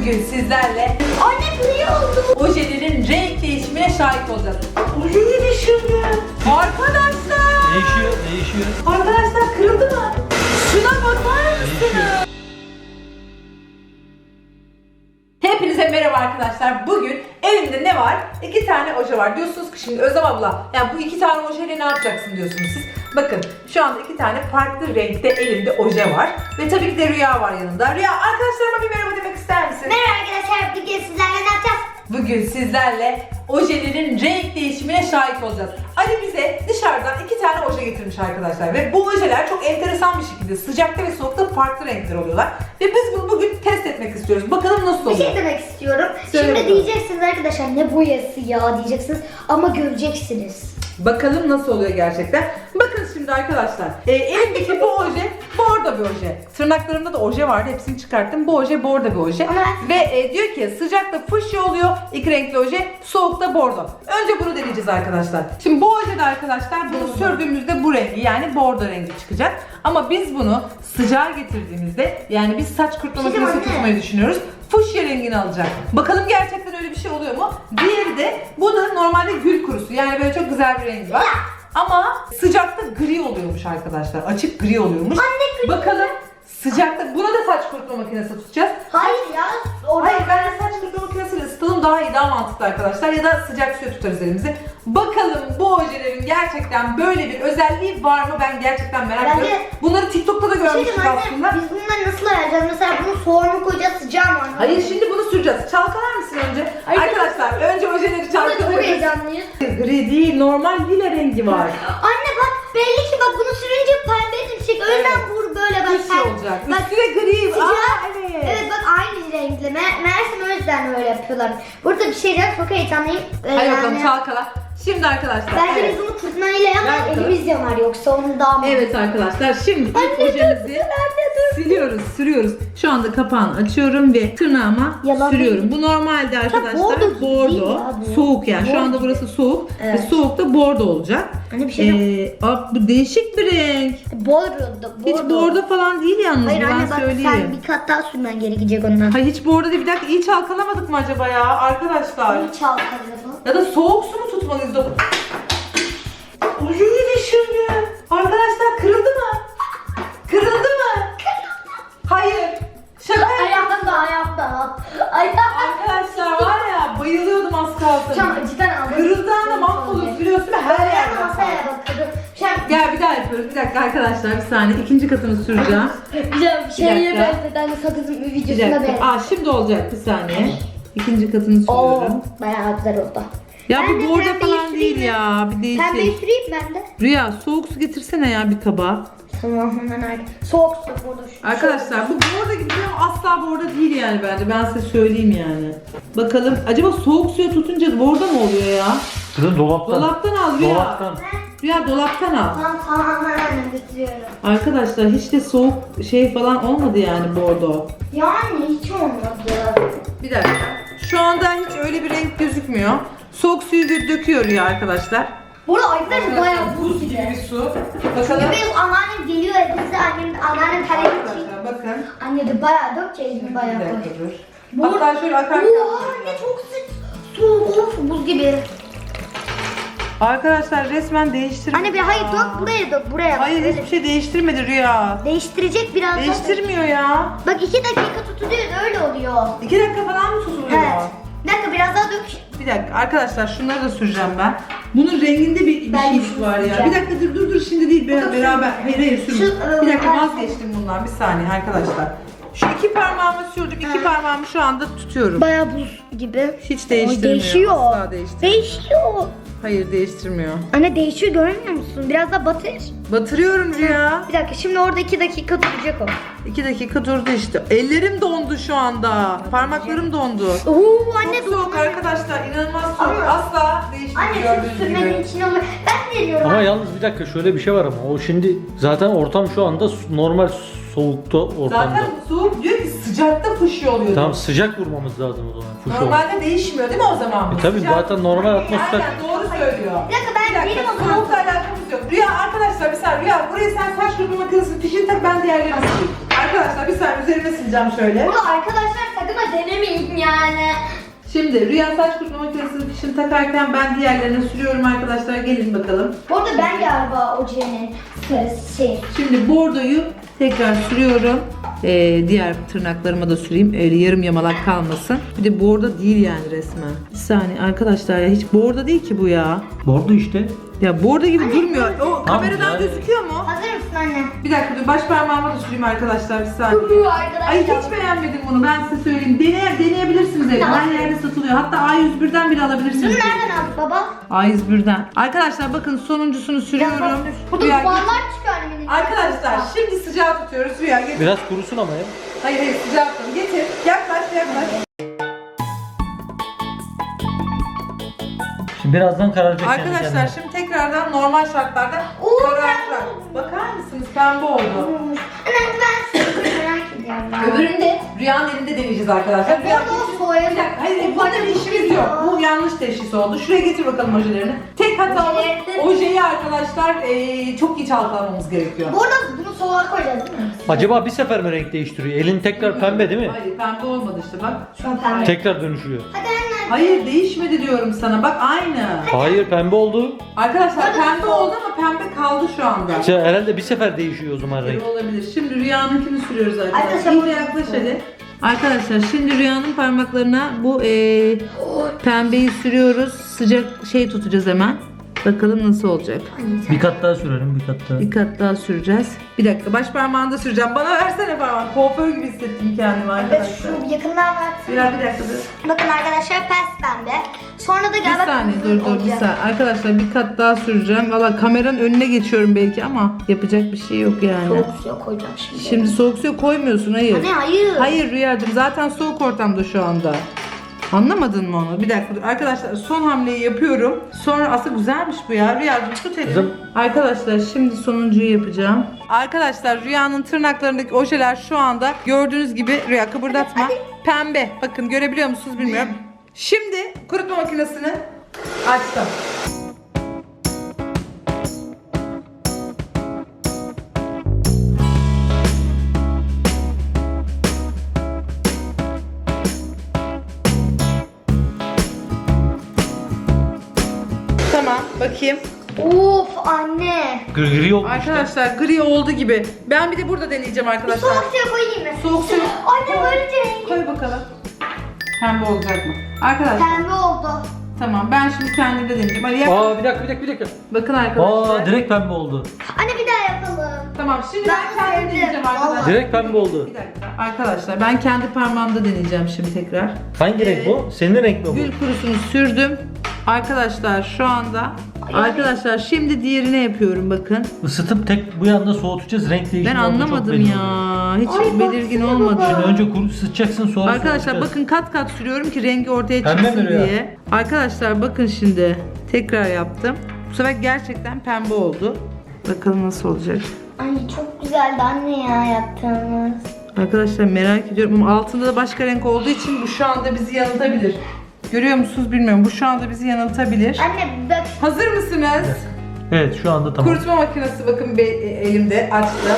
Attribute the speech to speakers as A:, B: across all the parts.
A: Bugün sizlerle
B: Anne gri oldu.
A: ojelerin renk değişimine şahit olacağız. Ojeyi düşürdü. Arkadaşlar.
C: Değişiyor.
A: Arkadaşlar kırıldı mı? Şuna bakar mısınız? Hepinize merhaba arkadaşlar. Bugün elimde ne var? 2 tane oje var. Diyorsunuz ki şimdi Özlem abla, yani bu 2 tane ojeyle ne yapacaksın diyorsunuz siz. Bakın şu anda 2 tane farklı renkte elimde oje var. Ve tabii ki de Rüya var yanında. Rüya, arkadaşlarıma bir merhaba demek ister misin?
B: Merhaba arkadaşlar, bugün sizlerle ne yapacağız?
A: Bugün sizlerle ojelerin renk değişimine şahit olacağız. Ali bize dışarıdan 2 tane oje getirmiş arkadaşlar ve bu ojeler çok enteresan bir şekilde sıcakta ve soğukta farklı renkler oluyorlar. Ve biz bunu bugün test etmek istiyoruz. Bakalım nasıl
B: Bir
A: oluyor.
B: şey demek istiyorum.
A: Söyle
B: Şimdi
A: bakalım.
B: diyeceksiniz arkadaşlar ne boyası ya diyeceksiniz ama göreceksiniz.
A: Bakalım nasıl oluyor gerçekten. Bakın şimdi arkadaşlar. Elimdeki bu oje bordo bir oje. Tırnaklarımda da oje vardı. Hepsini çıkarttım. Bu oje bordo bir oje.
B: Ama-
A: Ve diyor ki sıcakta fuşya oluyor. 2 renkli oje. Soğukta bordo. Önce bunu deneyeceğiz arkadaşlar. Şimdi bu ojede arkadaşlar bunu sürdüğümüzde bu rengi, yani bordo rengi çıkacak. Ama biz bunu sıcağa getirdiğimizde, yani biz saç kurutma
B: Şimdi
A: makinesi
B: anne.
A: tutmayı düşünüyoruz. Fuşya rengini alacak. Bakalım gerçekten öyle bir şey oluyor mu? Diğeri de, bu da normalde gül kurusu. Yani böyle çok güzel bir rengi var. Ama sıcakta gri oluyormuş arkadaşlar. Açık gri oluyormuş.
B: Anne, gri.
A: Bakalım sıcakta, buna da saç kurutma makinesi tutacağız.
B: Hayır ya.
A: Hayır, bence saç kurutma makinesiyle ısıtalım daha iyi, daha mantıklı arkadaşlar. Ya da sıcak suya tutarız elimizi. Bakalım bu ojelerin gerçekten böyle bir özelliği var mı? Ben gerçekten merak
B: Bence-
A: ediyorum. Bunları TikTok'ta da görmüştük aslında.
B: Biz bunları nasıl ayarlayacağız? Mesela bunu soğuğa mı koyacağız, sıcağa mı?
A: Hayır, şimdi bunu süreceğiz. Çalkalar mısın önce?
B: Hayır.
A: Arkadaşlar önce ojeleri
B: Çok
A: çalkalıyoruz.
B: heyecanlıyız.
A: Gri değil, normal lila rengi var.
B: Anne bak, belli ki bak bunu sürünce pembe dönecek. Önden
A: Evet.
B: vur böyle bak.
A: Bir şey olacak.
B: Bak,
A: Üstüne gri.
B: sıcak.
A: Evet.
B: Evet bak, aynı renkli. Meğersem o yüzden öyle yapıyorlar. Burada bir şey çok heyecanlıyım.
A: Hadi bakalım çalkala. Şimdi arkadaşlar.
B: Bence
A: evet.
B: biz bunu fırtınayla
A: Ver
B: yanar,
A: bakalım.
B: elimiz yanar yoksa onu daha mı?
A: Evet arkadaşlar, şimdi ilk
B: Anne,
A: ojemizi siliyoruz, sürüyoruz. Şu anda kapağını açıyorum ve tırnağıma
B: Yalan
A: sürüyorum. Bu normalde arkadaşlar
B: bordo gibi değil
A: bordo,
B: ya bu.
A: soğuk yani. Şu
B: Bordo
A: anda burası soğuk
B: Evet.
A: ve soğukta bordo olacak.
B: Hani bir şey yok.
A: Bu değişik bir renk.
B: Bordo.
A: Hiç bordo falan değil yalnız,
B: Hayır
A: ben
B: anne bak,
A: söyleyeyim.
B: sen bir kat daha sürmen gerekecek ondan.
A: Hayır, hiç bordo değil. Bir dakika, iyi çalkalamadık mı acaba ya arkadaşlar?
B: Onu çalkalayalım.
A: Ya da soğuk su mu tutmalıyız? Ojeyi düşürdü. Arkadaşlar kırıldı mı? Kırıldı mı? Hayır. Şaka yaptım.
B: Ayakta.
A: Arkadaşlar var ya, bayılıyordum az kalsın.
B: Şu an cidden aldım.
A: Kırıldığı anda mahvolur, biliyorsun değil mi? Her
B: Her
A: yerde.
B: masaya bakıyordum. Şu an
A: Gel bir daha yapıyoruz. Bir dakika arkadaşlar, bir saniye. İkinci katını süreceğim.
B: güzel bir şeye
A: dakika.
B: benzeden sakızın bir
A: Bir
B: videosuna
A: dakika.
B: benziyor.
A: Şimdi olacak, bir saniye. İkinci katını
B: Oo,
A: sürüyorum.
B: bayağı güzel oldu.
A: Ya
B: Ben de
A: bu bordo
B: pembeyi
A: falan
B: süreyim
A: değil
B: mi?
A: ya. Bir
B: Pembeyi
A: değişik.
B: süreyim ben de.
A: Rüya, soğuk su getirsene ya bir tabağa.
B: Tamam hemen artık. Soğuk su burada.
A: Arkadaşlar bu bordo gibi ama asla bordo değil yani bence. Ben size söyleyeyim yani. Bakalım acaba soğuk suya tutunca bordo mu oluyor ya?
C: Kızım dolaptan.
A: Dolaptan al Rüya.
C: Dolaptan.
A: Rüya dolaptan al.
B: Tamam hemen götürüyorum.
A: Arkadaşlar hiç de soğuk şey falan olmadı yani bordo.
B: Yani hiç olmadı.
A: Bir dakika. Şu anda hiç öyle bir renk gözükmüyor. Soğuk suyu döküyor Rüya arkadaşlar.
B: Burada arkadaşlar bayağı buz gibi.
A: bir su. Bakalım.
B: Benim anneannem geliyor evimize, anneannem tereyağını çekiyor.
A: Arkadaşlar bakın.
B: Anne de bayağı dökeceğiz mi
A: Bir
B: bayağı koy.
A: dakika dur.
B: Bu-
A: Hatta şöyle akarken.
B: Oha anne çok sıcak. Soğuk of buz gibi.
A: Arkadaşlar resmen değiştirmedi.
B: Anne bir hayır
A: ya.
B: dök buraya.
A: Hayır,
B: Öyle.
A: hiçbir şey değiştirmedi Rüya.
B: Değiştirecek biraz daha.
A: Değiştirmiyor ya.
B: Bak 2 dakika tutuluyor öyle oluyor.
A: 2 dakika falan mı tutuluyor?
B: Evet. Bir dakika biraz daha dök.
A: Bir dakika arkadaşlar, şunları da süreceğim ben. Bunun renginde bir
B: Ben
A: şey
B: şunu
A: var ya.
B: süreceğim.
A: Bir dakika dur şimdi değil, beraber. Hayır sürme.
B: Şu,
A: Bir dakika,
B: ben-
A: vazgeçtim bundan, bir saniye arkadaşlar. Şu 2 parmağımı sürdüm, 2 parmağımı şu anda tutuyorum.
B: Bayağı buz gibi.
A: Hiç değiştirmiyor.
B: Değişiyor.
A: Asla değiştirmiyor.
B: Değişiyor.
A: Hayır, değiştirmiyor.
B: Anne değişiyor görmüyor musun? Biraz daha batır.
A: Batırıyorum Rüya.
B: Bir dakika şimdi orada 2 dakika duracak o.
A: 2 dakika durdu işte. Ellerim dondu şu anda. Parmaklarım dondu.
B: Oo anne
A: Çok soğuk arkadaşlar, inanılmaz soğuk.
B: Ama-
A: Asla değişmiyor
B: Anne
A: gördüğünüz
B: şu sürmenin
A: gibi.
B: içine olur. Ben veriyorum.
C: Ama yalnız bir dakika, şöyle bir şey var ama o şimdi zaten ortam şu anda normal soğukta ortamda.
A: Zaten soğuk diyor ki sıcakta fuşya oluyordu.
C: Tamam, sıcak vurmamız lazım o zaman. Fuş oldu.
A: Normalde değişmiyor değil mi o zaman?
C: Tabii zaten normal atmosfer.
A: Aynen doğru söylüyor.
B: Bir dakika, ben değilim o zaman.
A: Soğukla alakamız yok. Rüya arkadaşlar bir saniye. Rüya buraya sen saç kurutma makinesini fişini tak, ben diğerlerini sileyim. Arkadaşlar bir saniye üzerine sileceğim şöyle.
B: Bunu arkadaşlar sakın ha denemeyin yani.
A: Şimdi Rüya saç kurutma makinesinin fişini takarken ben diğerlerini sürüyorum arkadaşlar. Gelin bakalım.
B: Bu arada ben galiba ojenin şey.
A: Şimdi bordoyu tekrar sürüyorum. Diğer tırnaklarıma da süreyim. Öyle yarım yamalak kalmasın. Bir de bordo değil yani resmen. Bir saniye arkadaşlar ya, hiç bordo değil ki bu ya.
C: Bordo işte.
A: Ya bordo gibi durmuyor. O kameradan
C: yani.
A: gözüküyor mu?
B: Hazır mısın anne?
A: Bir dakika dur, baş parmağıma da süreyim arkadaşlar bir saniye.
B: Arkadaşlar.
A: Ay hiç beğenmedim bunu, ben size söyleyeyim. Deneyebilirsiniz evde. Her yerde satılıyor. Hatta A101'den bile
B: Bunu
A: alabilirsiniz.
B: nereden aldık baba?
A: A101'den. Arkadaşlar bakın sonuncusunu sürüyorum.
B: Burada
A: Rüya,
B: duvarlar çıkıyor annemin.
A: arkadaşlar şimdi sıcağı tutuyoruz. Rüya getir.
C: Biraz kurusun ama ya.
A: Hayır hayır, sıcağı tutun. Getir. Yaklaş yaklaş.
C: Şimdi birazdan kararacak kendi
A: Arkadaşlar
C: kendine.
A: şimdi tekrardan normal şartlarda
B: Oo,
A: karartacak. Bakar mısınız, pembe oldu.
B: Anne ben sizi merak ediyorum.
A: Öbürünü de Rüya'nın elinde deneyeceğiz arkadaşlar.
B: Bu arada o soğuya.
A: Bir dakika, hayır bunların işimiz yok. Bu yanlış teşhis oldu. Şuraya getir bakalım ojelerini. Tek hatamız
B: Ojeleri-
A: ojeyi arkadaşlar çok iyi çalkalamamız gerekiyor.
B: Bu arada bunu soğuğa koyacağız değil mi?
C: Acaba bir sefer mi renk değiştiriyor? Elin tekrar pembe değil mi?
A: Hayır pembe olmadı işte bak.
B: Şu an pembe.
C: Tekrar dönüşüyor.
B: Hadi anne.
A: Hayır değişmedi diyorum sana, bak aynı.
C: Hayır, pembe oldu.
A: Arkadaşlar pembe oldu ama pembe kaldı şu anda.
C: İşte herhalde bir sefer değişiyor o zaman renk.
A: Olabilir. Şimdi Rüya'nınkini sürüyoruz arkadaşlar.
B: Arkadaşlar,
A: İyice yaklaş hadi. Arkadaşlar şimdi Rüya'nın parmaklarına bu pembeyi sürüyoruz. Sıcak şey tutacağız hemen. Bakalım nasıl olacak.
C: Bir kat daha sürelim, bir kat daha.
A: Bir kat daha süreceğiz. Bir dakika, baş parmağını da süreceğim. Bana versene parmağını. Kuaför gibi hissettim kendimi
B: Evet
A: arkadaşlar.
B: şu yakından bak.
A: Bir dakika dur.
B: Bakın arkadaşlar pes pembe. Sonra da
A: Bir
B: galiba
A: saniye
B: kırmızı
A: dur bir
B: olacak.
A: saniye. Arkadaşlar bir kat daha süreceğim. Valla kameranın önüne geçiyorum belki ama yapacak bir şey yok yani.
B: Soğuk suya koyacağım şimdi.
A: Şimdi soğuk suya koymuyorsun, hayır.
B: Anne hayır.
A: Hayır Rüyacığım, zaten soğuk ortamda şu anda. Anlamadın mı onu? Bir dakika dur. Arkadaşlar son hamleyi yapıyorum. Sonra aslında güzelmiş bu ya. Rüyacığım tut elini.
C: Kızım.
A: Arkadaşlar şimdi sonuncuyu yapacağım. Arkadaşlar Rüya'nın tırnaklarındaki ojeler şu anda gördüğünüz gibi, Rüya kıpırdatma. Pembe. Bakın görebiliyor musunuz bilmiyorum. Şimdi kurutma makinesini açtım. Tamam bakayım.
B: Of anne.
C: Gri olmuş.
A: Arkadaşlar gri oldu gibi. Ben bir de burada deneyeceğim arkadaşlar.
B: Soğuk suya koyayım mı?
A: Soğuk suya.
B: Anne böylece rengi
A: Koy bakalım. Pembe olacak mı? Arkadaşlar
B: pembe oldu.
A: tamam, ben şimdi kendimde deneyeceğim. Hadi yap.
C: Bir dakika.
A: Bakın arkadaşlar.
C: Direkt pembe oldu.
B: Anne bir daha yapalım.
A: Tamam şimdi ben
B: Ben
A: kendim
B: sevdim.
A: deneyeceğim arkadaşlar.
B: Vallahi.
C: Direkt pembe oldu.
A: Bir dakika. Arkadaşlar ben kendi parmağımda deneyeceğim şimdi tekrar.
C: Hangi renk bu? Senin renk mi bu?
A: Gül kurusunu sürdüm. Arkadaşlar şu anda arkadaşlar şimdi diğerine yapıyorum bakın.
C: Isıtıp tek bu yanda soğutacağız. Renk değişimi
A: Ben
C: oldu, çok
A: anlamadım
C: belli
A: ya.
C: oluyor.
A: Hiç
B: Ay,
A: belirgin
B: baksana
A: olmadı.
B: baba.
C: Şimdi önce kuru ısıtacaksın, sonra
A: Arkadaşlar
C: soğutacağız.
A: bakın kat kat sürüyorum ki rengi ortaya
C: Pembe
A: çıksın
C: mi Rüya?
A: diye. Arkadaşlar bakın şimdi tekrar yaptım. Bu sefer gerçekten pembe oldu. Bakalım nasıl olacak.
B: Ay çok güzeldi anne ya yaptığımız.
A: Arkadaşlar merak ediyorum ama altında da başka renk olduğu için bu şu anda bizi yanıltabilir. Görüyor musunuz bilmiyorum. Bu şu anda bizi yanıltabilir.
B: Anne bak.
A: Hazır mısınız?
C: Evet, şu anda tamam.
A: Kurutma makinesi bakın elimde açtım.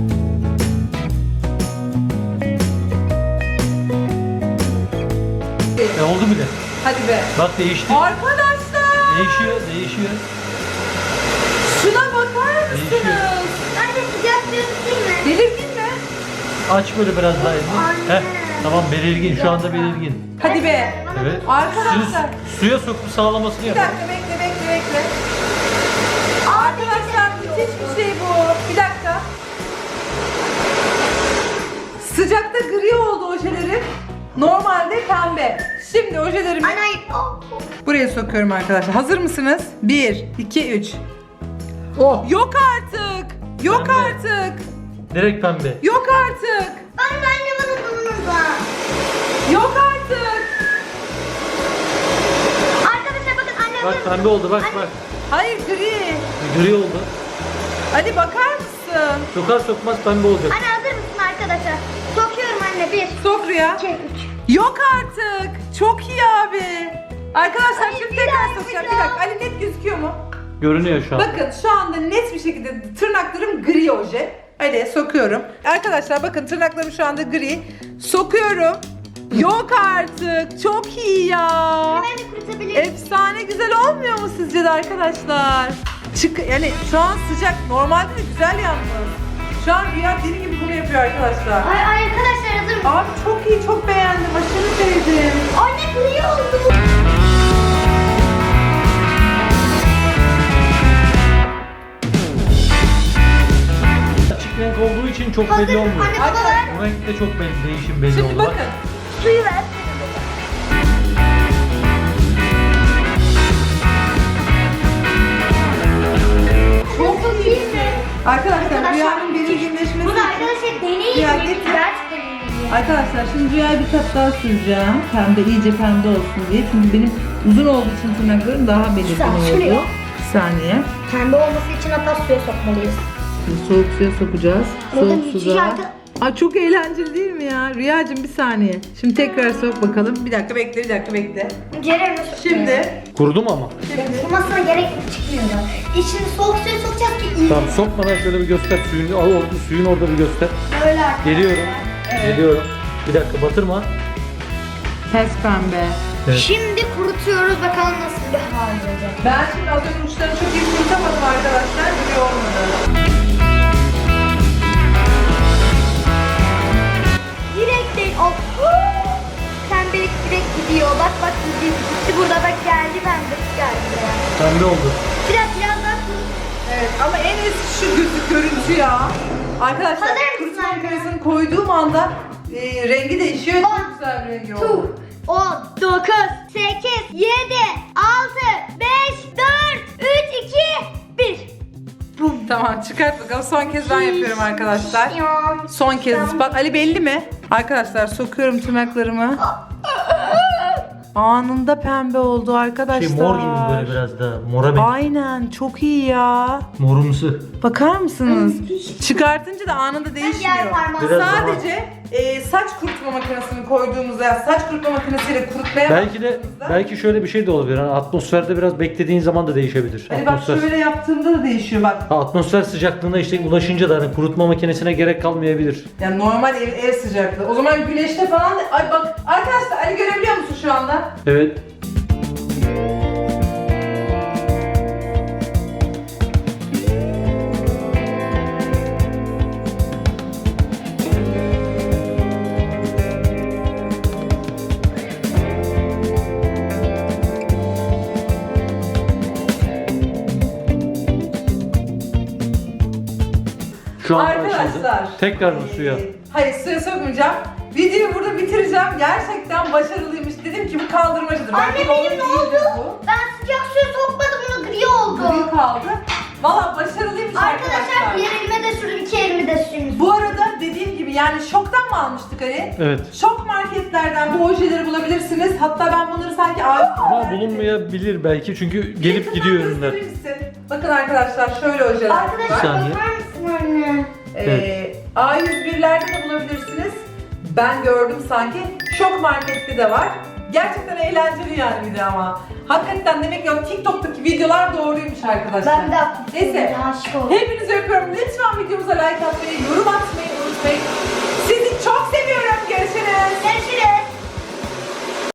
C: Oldu bile.
A: Hadi be.
C: Bak değişti.
A: Arkadaşlar
C: Değişiyor.
A: şuna bakar
C: Değişiyor.
A: mısınız?
B: Anne sıcak değil mi?
A: Belirgin mi?
C: Aç böyle biraz daha elini.
B: Anne.
C: Tamam, belirgin. Şu anda belirgin.
A: Hadi be.
C: Evet.
A: Arkadaşlar.
C: Suya sokup sağlamasını
A: Bir
C: yap.
A: dakika bekle. Arkadaşlar müthiş bir şey bu. Bir dakika. Sıcakta gri oldu ojelerim. Normalde pembe. Şimdi ojelerimi
B: Anne oh.
A: buraya sokuyorum arkadaşlar. Hazır mısınız? 1, 2, 3.
C: Oh!
A: Yok artık. Yok
C: Pembe.
A: artık.
C: Direkt pembe.
A: Yok artık.
B: Anne bana bunun var.
A: Yok artık.
B: Arkadaşlar bakın anne
C: Bak
B: bunun.
C: pembe oldu, bak.
A: Hayır gri.
C: Gri oldu.
A: Ali bakar mısın?
C: Sokar sokmaz pembe olacak.
B: Anne hazır mısın arkadaşlar? Sokuyorum anne Rüya 1,
A: Sok Rüya.
B: 2, 3.
A: Yok artık. Çok iyi abi. Arkadaşlar şimdi tekrar
B: daha
A: sokacağım. Bir
B: yapacağım.
A: dakika. Ali net gözüküyor mu?
C: Görünüyor şu an.
A: Bakın şu anda net bir şekilde tırnaklarım gri oje. Hadi sokuyorum. Arkadaşlar bakın tırnaklarım şu anda gri. Sokuyorum. Yok artık. Çok iyi ya.
B: Hemen de kurutabilirim.
A: Efsane güzel olmuyor mu sizce de arkadaşlar? Yani şu an sıcak. Normalde de güzel yalnız. Şu an Rüya deli gibi bunu yapıyor arkadaşlar.
B: Ay arkadaşlar hazır mısın?
A: Abi çok iyi, çok beğendim. Aşırı sevdim.
B: Anne gri oldu.
C: Açık renk olduğu için çok
B: Hazır.
C: belli olmuyor.
B: Anne baba ver.
C: Bu renk de çok belli, değişim belli
A: Şimdi
C: oldu. Bak.
A: bakın.
B: Suyu ver.
A: Çok iyi.
B: Değil mi?
A: Arkadaşlar Rüya'nın belirginleşmesi.
B: Bu da arkadaşlar deneyim.
A: Ya
B: mi?
A: getir.
B: Gerçekten deneyim.
A: Arkadaşlar şimdi Rüya'ya bir kat daha süreceğim. Pembe, iyice pembe olsun diye. Çünkü benim uzun olduğu için tırnaklarım daha belirgin
B: Güzel,
A: oldu.
B: sürüyor.
A: Bir saniye.
B: Pembe olması için hatta suya sokmalıyız.
A: Şimdi soğuk suya sokacağız.
B: Burada
A: Soğuk
B: müthiş
A: suda.
B: arka-
A: Ay çok eğlenceli değil mi ya? Rüyacığım bir saniye. Şimdi tekrar sok bakalım. Bir dakika bekle, bir dakika bekle.
B: Ceren nasıl?
A: Şimdi.
C: Kurudu mu ama?
B: Kumasına gerek çıkmıyor da. İçini soğuk suya sokacağız ki iyi.
C: Tamam, sokmadan şöyle bir göster suyun. Al orada, suyun orada bir göster.
B: Böyle arkadaşlar.
C: Geliyorum. Geliyorum. Bir dakika, batırma.
A: Pes pembe.
C: Evet.
B: Şimdi kurutuyoruz bakalım nasıl bir hal olacak.
A: Ben şimdi az önce uçlarını çok iyi kurutamadım arkadaşlar. Böyle olmadı.
B: Direkt değil. Of. Pembelik direkt gidiyor. Bak bak gidiyor. Gitti burada bak geldi pembelik geldi.
C: Pembe oldu.
B: Biraz daha kurut.
A: Evet ama en eski şu görüntü ya. Arkadaşlar
B: Hazır mısın
A: kurutma
B: arkadaşlar?
A: makinesini koyduğum anda rengi değişiyor. Çok
B: On,
A: güzel bir rengi
B: 2,
A: oldu.
B: 10, 9, 8, 7, 6, 5, 4, 3, 2, 1. Bum.
A: Tamam çıkart bakalım. Son kez ben yapıyorum arkadaşlar. Son kez. Bak Ali belli mi? Arkadaşlar sokuyorum tırnaklarımı. Anında pembe oldu arkadaşlar.
C: Şey, mor gibi böyle biraz da. Mora benziyor.
A: Aynen çok iyi ya.
C: Morumsu.
A: Bakar mısınız? Çıkartınca da anında
B: diğer
A: değişmiyor.
B: parmağım.
C: Biraz
A: Sadece saç kurutma makinesini koyduğumuzda ya saç kurutma makinesiyle kurutmaya
C: Belki de
A: başladığımızda-
C: belki şöyle bir şey de olabilir. Hani atmosferde biraz beklediğin zaman da değişebilir.
A: Hani bak şöyle yaptığımda da değişiyor bak.
C: Ha, atmosfer sıcaklığına işte ulaşınca da hani kurutma makinesine gerek kalmayabilir.
A: Yani normal ev sıcaklığı. O zaman güneşte falan da... Ay bak arkadaşlar Ali görebiliyor musun şu anda?
C: Evet. Şu an
A: Arkadaşlar.
C: açıldı. Tekrar mı suya?
A: Hayır suya sokmayacağım. Videoyu burada bitireceğim. Gerçekten başarılıymış. Dedim ki bu kaldırmacıdır.
B: Anne
A: Belki
B: benim
A: doğru
B: ne
A: değildir
B: oldu?
A: bu.
B: Ben sıcak suya sokmadım bunu gri oldu.
A: Gri kaldı. Valla başarılıymış
B: Arkadaşlar
A: arkadaşlar.
B: bir elime de sürdüm, iki elime de sürdüm.
A: Bu arada dediğim gibi yani şoktan mı almıştık Ali?
C: Evet.
A: Şok marketlerden bu ojeleri bulabilirsiniz. Hatta ben bunları sanki A101'lerde
C: Ama bulunmayabilir belki çünkü gelip
A: Yakından
C: gidiyor ürünler.
A: gösterir misin? Bakın arkadaşlar şöyle ojeler.
B: Arkadaşlar
C: Bir saniye.
B: bakar mısın anne?
A: A101'lerde de bulabilirsiniz. Ben gördüm sanki. Şok markette de var. Gerçekten eğlenceli yani bir de ama. Hakikaten demek ki o TikTok'taki videolar doğruymuş arkadaşlar.
B: Ben de
A: Neyse.
B: aşık oldum.
A: Hepinizi öpüyorum. Lütfen videomuza like atmayı, yorum atmayı unutmayın. Sizi çok seviyorum. Görüşürüz.
B: Görüşürüz.